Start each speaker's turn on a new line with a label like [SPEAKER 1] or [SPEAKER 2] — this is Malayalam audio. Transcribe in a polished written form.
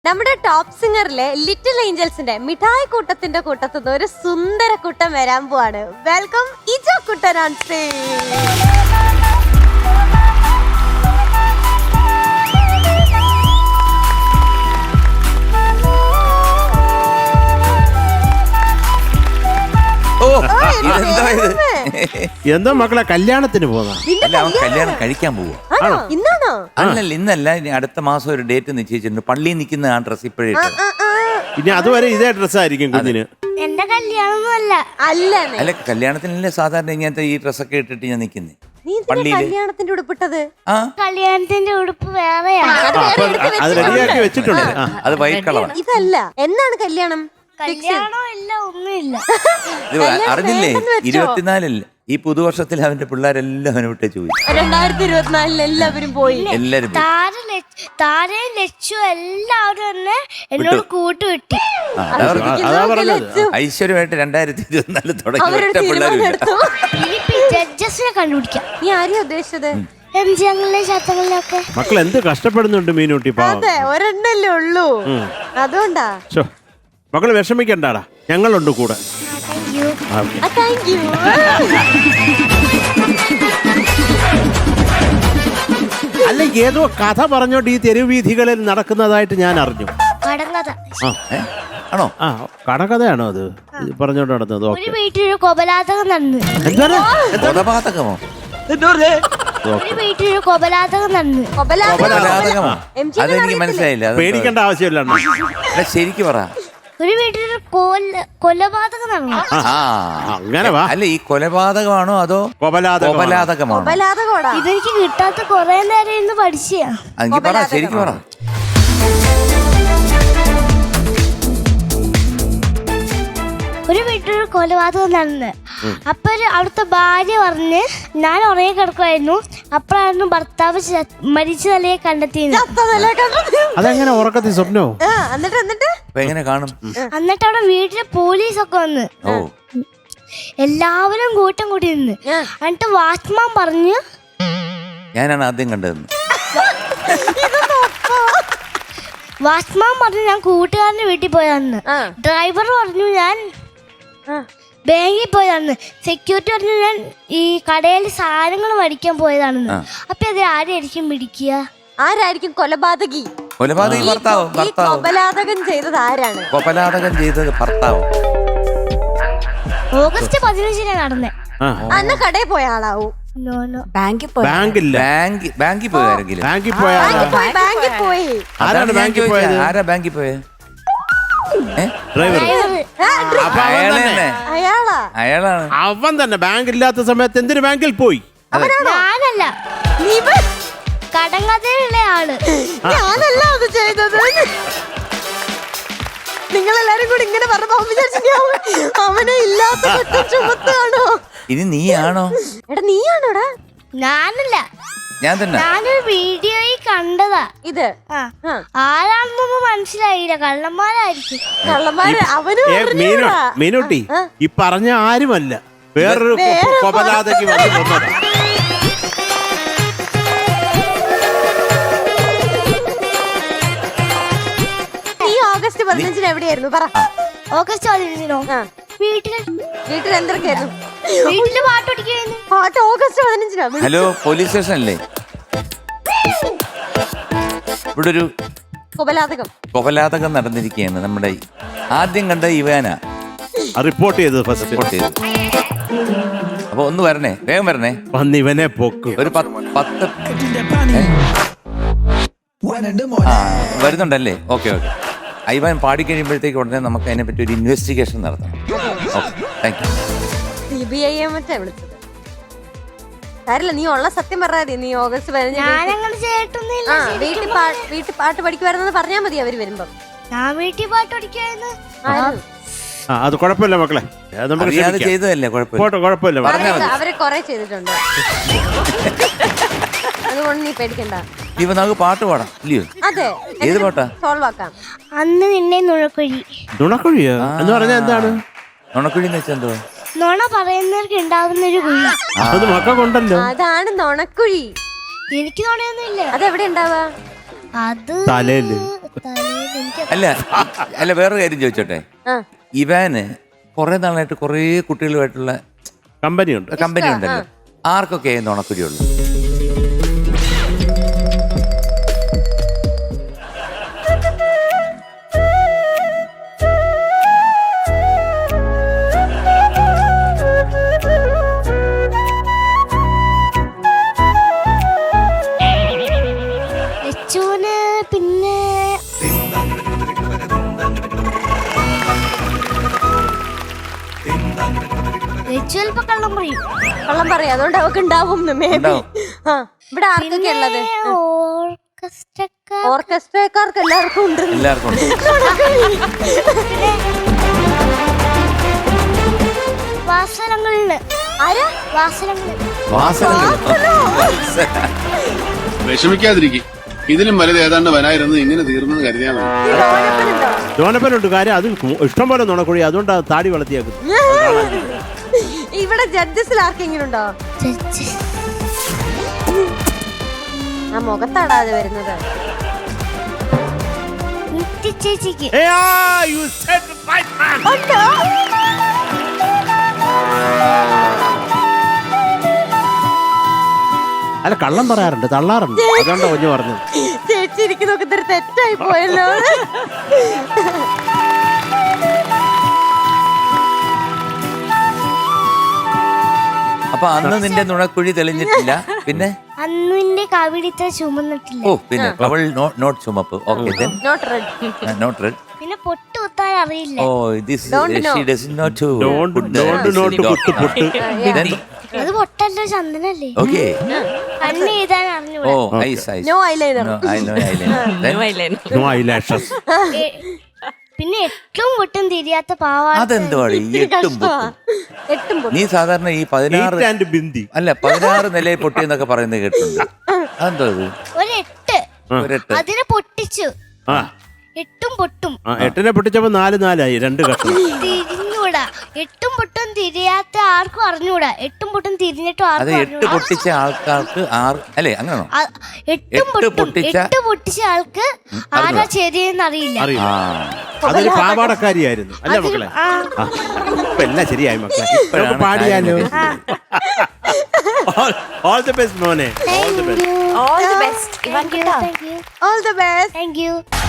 [SPEAKER 1] നമ്മുടെ ടോപ്പ് സിംഗറിലെ ലിറ്റിൽ ഏഞ്ചൽസിന്റെ മിഠായി കൂട്ടത്തിന്റെ കൂട്ടത്തുനിന്ന് ഒരു സുന്ദര കൂട്ടം വരാൻ പോവാണ്. Welcome Ijo Kuttan on stage.
[SPEAKER 2] എന്തോ മക്കളെ കല്യാണത്തിന് പോകാം.
[SPEAKER 3] അല്ല, അവൻ കല്യാണം കഴിക്കാൻ പോവാ.
[SPEAKER 1] ഇന്നാണോ?
[SPEAKER 3] അല്ലല്ല, ഇന്നല്ല, ഇനി അടുത്ത മാസം ഒരു ഡേറ്റ് നിശ്ചയിച്ചിട്ടുണ്ട്. പള്ളിയിൽ നിൽക്കുന്ന ആ ഡ്രസ് ഇപ്പോഴേ
[SPEAKER 2] ഇനി അതുവരെ ഇതേ ഡ്രസ്സായിരിക്കും കുഞ്ഞിന്.
[SPEAKER 4] എന്റെ കല്യാണമൊന്നുമല്ല.
[SPEAKER 3] അല്ല, കല്യാണത്തിനല്ലേ സാധാരണ ഇങ്ങനത്തെ ഈ ഡ്രസ്സൊക്കെ ഇട്ടിട്ട് ഞാൻ നിൽക്കുന്നേ.
[SPEAKER 1] കല്യാണത്തിന്റെ ഉടുപ്പിട്ടത്?
[SPEAKER 4] കല്യാണത്തിന്റെ ഉടുപ്പ് വേറെയാണ്.
[SPEAKER 2] അത് റെഡിയാക്കി വെച്ചിട്ടുണ്ട്.
[SPEAKER 3] അത് വൈറ്റ് കളറാണ്.
[SPEAKER 1] ഇതല്ല. എന്നാണ് കല്യാണം?
[SPEAKER 4] കല്യാണം ഇല്ല, ഒന്നുമില്ല.
[SPEAKER 3] ഇത് അറിഞ്ഞില്ലേ, 24-ല്ലേ ഈ പുതുവർഷത്തിൽ അവന്റെ പിള്ളേരെല്ലാം അവനെ വിട്ടേ പോയി.
[SPEAKER 1] 2024 എല്ലാവരും പോയി.
[SPEAKER 3] എല്ലാരും
[SPEAKER 4] താരയും ലച്ചു എല്ലാവരും തന്നെ എന്നോട് കൂട്ടുകിട്ടി.
[SPEAKER 3] ഐശ്വര്യമായിട്ട് 2024 തുടങ്ങി ഒറ്റ പിള്ളേരും
[SPEAKER 4] ഇനിയിപ്പോ ജഡ്ജസിനെ കണ്ടുപിടിക്കാം.
[SPEAKER 1] നീ ആരെയാ ഉദ്ദേശിച്ചത്?
[SPEAKER 4] എംജിങ്ങളിലെ ശതങ്ങളിലൊക്കെ
[SPEAKER 2] മക്കൾ എന്ത് കഷ്ടപ്പെടുന്നുണ്ട് മീനൂട്ടി.
[SPEAKER 1] അതെ, ഒരെണ്ണല്ലേ ഉള്ളൂ, അതുകൊണ്ടാ.
[SPEAKER 2] മക്കള് വിഷമിക്കണ്ടാടാ, ഞങ്ങളുണ്ട് കൂടെ.
[SPEAKER 1] Thank you.
[SPEAKER 2] അല്ല, ഏതോ കഥ പറഞ്ഞോണ്ട് ഈ തെരുവ് വീഥികളിൽ നടക്കുന്നതായിട്ട് ഞാൻ അറിഞ്ഞു.
[SPEAKER 4] കടങ്കഥ.
[SPEAKER 3] ആണോ?
[SPEAKER 2] ആ, കടകഥയാണോ അത് പറഞ്ഞോണ്ട് നടന്നത്?
[SPEAKER 4] ഒരു വീട്ടിലൊരു കൊലപാതകം നടന്നു.
[SPEAKER 3] കൊലപാതകമോ?
[SPEAKER 4] ഒരു വീട്ടിലൊരു കൊലപാതകം നടന്നു.
[SPEAKER 3] കൊലപാതകമോ? അതെനിക്ക് മനസ്സിലായില്ല.
[SPEAKER 2] പേടിക്കേണ്ട ആവശ്യമില്ല.
[SPEAKER 3] ശരിക്ക് പറ.
[SPEAKER 4] ഒരു വീട്ടിലൊരു കൊലപാതകം നടന്നു.
[SPEAKER 2] അങ്ങനെ വാ.
[SPEAKER 3] അല്ല, ഈ കൊലപാതകമാണോ അതോ കൊലപാതകമാണോ?
[SPEAKER 4] ഇതെനിക്ക് കിട്ടാത്ത കൊറേ നേരം ഇന്ന് പഠിച്ചാ.
[SPEAKER 3] എനിക്ക് പറ, ശരിക്ക് പറ.
[SPEAKER 4] ഒരു വീട്ടിലൊരു കൊലപാതകം നടന്ന്. അപ്പൊ അവിടുത്തെ ഭാര്യ പറഞ്ഞ് ഞാൻ ഉറങ്ങി കിടക്കുമായിരുന്നു. അപ്പോഴായിരുന്നു ഭർത്താവ് മരിച്ച നിലയെ കണ്ടെത്തിയത്.
[SPEAKER 2] അതെങ്ങനെ ഉറക്കത്തിൽ സ്വപ്നോ?
[SPEAKER 3] എങ്ങനെ കാണും?
[SPEAKER 4] എന്നിട്ട് അവിടെ വീട്ടിലെ പോലീസൊക്കെ വന്ന് എല്ലാവരും കൂട്ടം കൂടി നിന്ന്. എന്നിട്ട് വാച്ച്മാൻ പറഞ്ഞു,
[SPEAKER 3] ഞാനാണ് ആദ്യം കണ്ടതെന്ന്.
[SPEAKER 4] വാച്ച്മാൻ പറഞ്ഞു ഞാൻ കൂട്ടുകാരന്റെ വീട്ടിൽ പോയതാന്ന്. ഡ്രൈവർ പറഞ്ഞു ഞാൻ ബാങ്കിൽ പോയതാണെന്ന്. സെക്യൂരിറ്റി പറഞ്ഞു ഞാൻ ഈ കടയിൽ സാധനങ്ങൾ മേടിക്കാൻ പോയതാണെന്ന്. അപ്പൊ അത് ആരായിരിക്കും പിടിക്കുക?
[SPEAKER 1] ആരായിരിക്കും കൊലപാതകി?
[SPEAKER 3] കൊലപാതകി ഭർത്താവ്.
[SPEAKER 1] കൊലപാതകം ചെയ്തത് ആരാണ്?
[SPEAKER 3] കൊലപാതകം ചെയ്തത് ഭർത്താവ്.
[SPEAKER 4] ഓഗസ്റ്റ് 15 നടന്നേ.
[SPEAKER 1] അന്ന് കടയിൽ പോയ ആളാവും.
[SPEAKER 2] ബാങ്കിൽ പോയി
[SPEAKER 3] ആരെങ്കിലും
[SPEAKER 2] ബാങ്കിൽ പോയ
[SPEAKER 3] ആരാണ് ബാങ്കിൽ പോയത്? ആരാ ബാങ്കിൽ പോയത്?
[SPEAKER 2] ഡ്രൈവർ.
[SPEAKER 3] അയാളാണ്.
[SPEAKER 2] അവൻ തന്നെ ബാങ്ക് ഇല്ലാത്ത സമയത്ത് എന്തിനു ബാങ്കിൽ പോയി?
[SPEAKER 4] ഞാനല്ല, കടങ്കഥയിലുള്ള ആള്.
[SPEAKER 1] ഞാനല്ല അത് ചെയ്തത്. നിങ്ങളെല്ലാരും കൂടി ഇങ്ങനെ പറഞ്ഞപ്പോ അവനെ ഇല്ലാത്ത ചുമത്താണോ?
[SPEAKER 3] ഇനി നീയാണോ?
[SPEAKER 1] എടാ, നീയാണോടാ?
[SPEAKER 4] ഞാനല്ല,
[SPEAKER 3] ഞാൻ തന്നെ.
[SPEAKER 4] ഞാനൊരു വീഡിയോയിൽ കണ്ടതാ ഇത്. ആരാണെന്നൊന്നും മനസ്സിലായില്ല. കള്ളന്മാരായിരിക്കും.
[SPEAKER 1] കള്ളന്മാര്.
[SPEAKER 2] മീനൂട്ടി, ഈ പറഞ്ഞ ആരുമല്ല, വേറൊരു കൊലപാതകി വന്നിട്ടുണ്ടോ?
[SPEAKER 1] ഈ ഓഗസ്റ്റ് 15 എവിടെയായിരുന്നു പറ?
[SPEAKER 4] ഓഗസ്റ്റ് 15 വീട്ടിൽ
[SPEAKER 1] എന്തൊക്കെയായിരുന്നു?
[SPEAKER 4] വീട്ടില് പാട്ടൊടിക്കായിരുന്നു.
[SPEAKER 1] പാട്ട് ഓഗസ്റ്റ് 15.
[SPEAKER 3] ഹലോ, പോലീസ് സ്റ്റേഷൻ അല്ലേ? ഇവിടെ ഒരു കൊലപാതകം നടന്നിരിക്കുകയാണ്. നമ്മുടെ ആദ്യം കണ്ട ഇവാനാ
[SPEAKER 2] റിപ്പോർട്ട് ചെയ്തത്.
[SPEAKER 3] റിപ്പോർട്ട് ചെയ്തത്. അപ്പൊ ഒന്ന് വരണേ, വേഗം വരണേ.
[SPEAKER 2] വന്ന് ഇവനെ പൊക്ക്.
[SPEAKER 3] ഒരു 10 വരുന്നുണ്ടല്ലേ? ഓക്കെ. ഐവാൻ പാടിക്കഴിയുമ്പോഴത്തേക്ക് ഉടനെ നമുക്ക് അതിനെ പറ്റി ഒരു ഇൻവെസ്റ്റിഗേഷൻ നടത്തണം. Okay, thank you.
[SPEAKER 1] CBI മറ്റേ വിളിച്ചത് കാര്യമില്ല. നീ ഉള്ള സത്യം പറഞ്ഞാൽ നീ ഓഗസ്റ്റ് 15 വീട്ടിൽ പാട്ട് പഠിക്കുവായിരുന്നെന്ന് പറഞ്ഞാൽ മതി. അവര് വരുമ്പോ
[SPEAKER 4] ഞാൻ വീട്ടിൽ പാട്ടൊടിക്കായിരുന്നു.
[SPEAKER 2] അത് കുഴപ്പമില്ല മക്കളെ,
[SPEAKER 3] ചെയ്തതല്ലേ?
[SPEAKER 2] കുഴപ്പമില്ല.
[SPEAKER 1] അവരെ കൊറേ ചെയ്തിട്ടുണ്ട്, അതുകൊണ്ട് നീ പേടിക്കണ്ട.
[SPEAKER 3] ഇപ്പൊ നമുക്ക് പാട്ട് പാടാം ഇല്ലയോ?
[SPEAKER 1] അതെ,
[SPEAKER 3] ഏത് പാട്ടാ?
[SPEAKER 1] സോൾവ് ആക്കാം.
[SPEAKER 4] അന്ന് നിന്നെ
[SPEAKER 2] നുണക്കുഴിയോ എന്ന് പറഞ്ഞാൽ എന്താണ്?
[SPEAKER 3] നുണക്കുഴി എന്ന് വെച്ചാൽ എന്തോ?
[SPEAKER 4] നുണ പറയുന്നവർക്ക് ഉണ്ടാകുന്ന ഒരു കുഴി.
[SPEAKER 2] അത് മക്കൾക്കുണ്ടല്ലോ.
[SPEAKER 1] അതാണ് നുണക്കുഴി.
[SPEAKER 4] എനിക്ക് നുണയൊന്നുമില്ല.
[SPEAKER 1] അതെവിടെ ഉണ്ടാവാ?
[SPEAKER 4] അത്
[SPEAKER 2] തലയില്.
[SPEAKER 4] എനിക്ക്
[SPEAKER 3] അല്ല അല്ല വേറൊരു കാര്യം ചോദിച്ചോട്ടെ,
[SPEAKER 1] ആ.
[SPEAKER 3] ഇവാന് കുറെ നാളായിട്ട് കുറേ കുട്ടികളുമായിട്ടുള്ള
[SPEAKER 2] കമ്പനിയുണ്ട്.
[SPEAKER 3] കമ്പനി ഉണ്ടല്ലോ, ആർക്കൊക്കെ നുണക്കുഴിയുള്ളൂ?
[SPEAKER 4] ലച്ചുവിന് പിന്നെ ലച്ചു ചിലപ്പോ കള്ളം പറയും.
[SPEAKER 1] കള്ളം പറയാം, അതുകൊണ്ട് അവക്ക് ഉണ്ടാവും മേബി.
[SPEAKER 3] ഉണ്ടാവും.
[SPEAKER 1] ആ ഇവിടെ ആർക്കൊക്കെ ഉള്ളത്?
[SPEAKER 4] ഓർക്കസ്ട്രക്കാർ
[SPEAKER 1] ഓർക്കസ്ട്രക്കാർക്ക് എല്ലാവർക്കും ഉണ്ട്.
[SPEAKER 3] എല്ലാവർക്കും ഉണ്ട്.
[SPEAKER 4] വാസനങ്ങളില് ആരാ വാസനങ്ങളിൽ
[SPEAKER 5] വിഷമിക്കാതിരിക്കും. ഇതിലും വലുത് ഏതാണ്ട് വരായിരുന്നു, ഇങ്ങനെ തീർന്നെന്ന് കരുതിയാൽ മതി.
[SPEAKER 1] ഈ ലോനപ്പനുണ്ടോ?
[SPEAKER 2] ജോനപ്പനുണ്ട്. കാര്യം അത് ഇഷ്ടം പോലെ നുണക്കുഴി, അതുകൊണ്ടാണ് താടി വളർത്തിയാക്കുന്നത്.
[SPEAKER 1] ഇവിടെ ജഡ്ജസിൽ ആർക്കെങ്കിലും ഉണ്ടോ? ആ മുഖത്താടാതെ വരുന്നത്.
[SPEAKER 4] ചേച്ചിക്ക്
[SPEAKER 2] You said the right man. അല്ല കള്ളം പറയാറുണ്ട്, തള്ളാറുണ്ട്, അതുകൊണ്ടാ കുഞ്ഞു പറഞ്ഞത്.
[SPEAKER 1] ചേച്ചി ഇരിക്കുന്നൊക്കെ ഇതൊരു തെറ്റായി പോയല്ലോ.
[SPEAKER 3] അപ്പൊ അന്ന് നിന്റെ നുണക്കുഴി തെളിഞ്ഞിട്ടില്ല, പിന്നെ
[SPEAKER 4] അന്ന് എന്റെ കാവിടി ഇത്ര ചുമന്നിട്ടില്ല.
[SPEAKER 3] ഓ പിന്നെ അവൾ നോട്ട് ചുമപ്പ്. Okay then
[SPEAKER 1] not red.
[SPEAKER 3] Not red.
[SPEAKER 4] പിന്നെ പൊട്ട് കുത്താൻ അറിയില്ല.
[SPEAKER 3] Oh this she doesn't know to
[SPEAKER 2] Don't കുത്ത് പൊട്ട്.
[SPEAKER 4] അത് പൊട്ടല്ലോ, ചന്ദനല്ലേ.
[SPEAKER 3] ഓക്കെ
[SPEAKER 4] കണ്ണ് എഴുതാൻ
[SPEAKER 3] ഓ
[SPEAKER 4] അറിഞ്ഞൂടാ.
[SPEAKER 3] Eyes eyes
[SPEAKER 1] no eyeliner.
[SPEAKER 2] No eyelashes.
[SPEAKER 4] പിന്നെ എട്ടും പൊട്ടും തിരിയാത്ത പാവാട.
[SPEAKER 3] അതെന്തുവാണ് ഈ എട്ടും പൊട്ടും?
[SPEAKER 1] എട്ടും പൊട്ടും.
[SPEAKER 3] നീ സാധാരണ ഈ 16
[SPEAKER 2] Eight and ബിന്ദി.
[SPEAKER 3] അല്ല 16 നിലയിൽ പൊട്ടിയെന്നൊക്കെ പറയുന്നത് കേട്ടിട്ടുണ്ട്. അതെന്തോ ഇത്?
[SPEAKER 4] ഒരെട്ട്
[SPEAKER 3] ഒരെട്ട്.
[SPEAKER 4] അതിനെ പൊട്ടിച്ചു.
[SPEAKER 2] ആ
[SPEAKER 4] എട്ടും പൊട്ടും
[SPEAKER 2] ആ, എട്ടിനെ പൊട്ടിച്ചപ്പോ 4 2 കഷ്ണം.
[SPEAKER 4] തിരിഞ്ഞൂടാ. എട്ടും പൊട്ടും തിരിയാത്ത ആർക്കും അറിഞ്ഞൂടാ. എട്ടും പൊട്ടും തിരിഞ്ഞിട്ടും
[SPEAKER 3] അത്
[SPEAKER 4] ആർക്കും
[SPEAKER 3] 8 പൊട്ടിച്ച ആൾക്കാർക്ക് 6 അല്ലേ അങ്ങനെയാണോ?
[SPEAKER 4] എട്ടും പൊട്ടിച്ച ആൾക്ക് ആരാ ശരിയെന്ന് അറിയില്ല.
[SPEAKER 2] അറിയില്ല.
[SPEAKER 3] ആ
[SPEAKER 2] അതൊരു പാവാടക്കാരിയായിരുന്നു അല്ലേ മക്കളെ?
[SPEAKER 4] ആ.
[SPEAKER 2] ആ, ഇപ്പൊ എല്ലാം ശരിയായി മക്കളെ. നമുക്ക് പാടിയാലോ? All the best മോനെ. All the best.
[SPEAKER 1] All the best.
[SPEAKER 4] Thank you.
[SPEAKER 1] All the best.
[SPEAKER 4] Thank you.